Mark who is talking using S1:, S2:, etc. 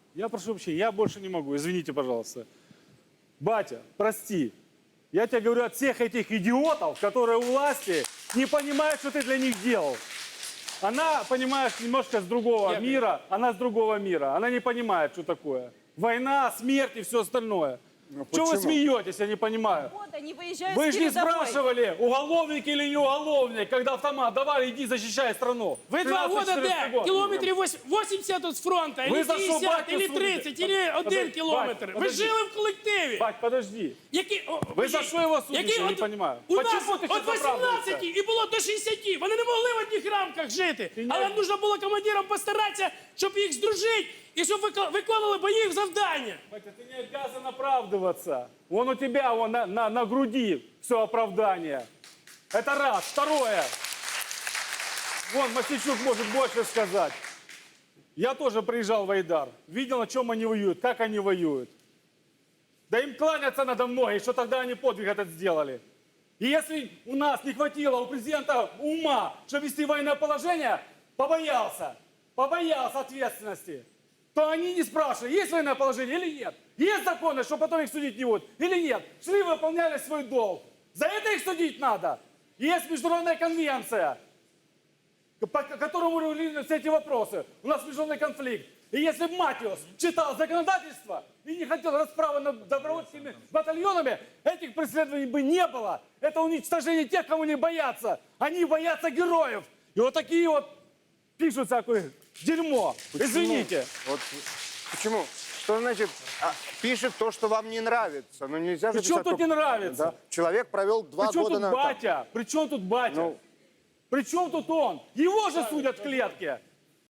S1: Я прошу вообще, я больше не могу, извините, пожалуйста. Батя, прости. Я тебе говорю от всех этих идиотов, которые у власти, не понимают, что ты для них делал. Она, понимаешь, немножко с другого мира, она с другого мира. Она не понимает, что такое. Война, смерть и все остальное. Чего вы смеетесь, я не понимаю.
S2: Вот они выезжают
S1: Вы
S2: с
S1: же не
S2: передовой.
S1: спрашивали, уголовник или не уголовник, когда автомат, давай, иди, защищай страну.
S3: Ви 2 года
S1: 13-14
S3: де?
S1: год.
S3: Кілометрів 80 от з фронту,
S1: Ви
S3: или
S1: за що
S3: 50,
S1: батька
S3: или
S1: судите?
S3: 30, или 1
S1: Подожди,
S3: кілометр.
S1: Бать,
S3: Ви
S1: подожди.
S3: жили в колективі.
S1: Бать, подожди.
S3: Які,
S1: Ви за що його судите, я не розумію.
S3: У нас
S1: Почему ти
S3: от
S1: щас
S3: 18
S1: оправдуєшся?
S3: і було до 60. Вони не могли в одних рамках жити.
S1: не-
S3: Але нужно було командирам постаратися, щоб їх здружити і щоб виконували бойові завдання.
S1: Батя, ты не обязан оправдываться. Вон у тебя вон на груди все оправдание. Это раз. Второе. Вон Масичук может больше сказать. Я тоже приезжал в Айдар. Видел, на чем они воюют, как они воюют. Да им кланяться надо многие, что тогда они подвиг этот сделали. И если у нас не хватило у президента ума, чтобы вести военное положение, побоялся ответственности, то они не спрашивали, есть военное положение или нет. Есть законы, что потом их судить не будут, или нет. Шли, выполняли свой долг. За это их судить надо. Есть международная конвенция, по которому регулируются все эти вопросы. У нас международный конфликт. И если бы Матиос читал законодательство и не хотел расправы над добровольческими батальонами, этих преследований бы не было. Это уничтожение тех, кого не боятся. Они боятся героев. И вот такие вот пишут всякое дерьмо. Извините.
S4: Вот почему? Что значит пишет то, что вам не нравится? Ну нельзя же
S1: Причем
S4: писать
S1: тут не
S4: только-
S1: нравится?
S4: Да. Человек провел 2
S1: Причем
S4: года
S1: тут
S4: на...
S1: батя? Причем тут батя?
S4: Ну.
S1: Причем тут он? Его же судят в клетке.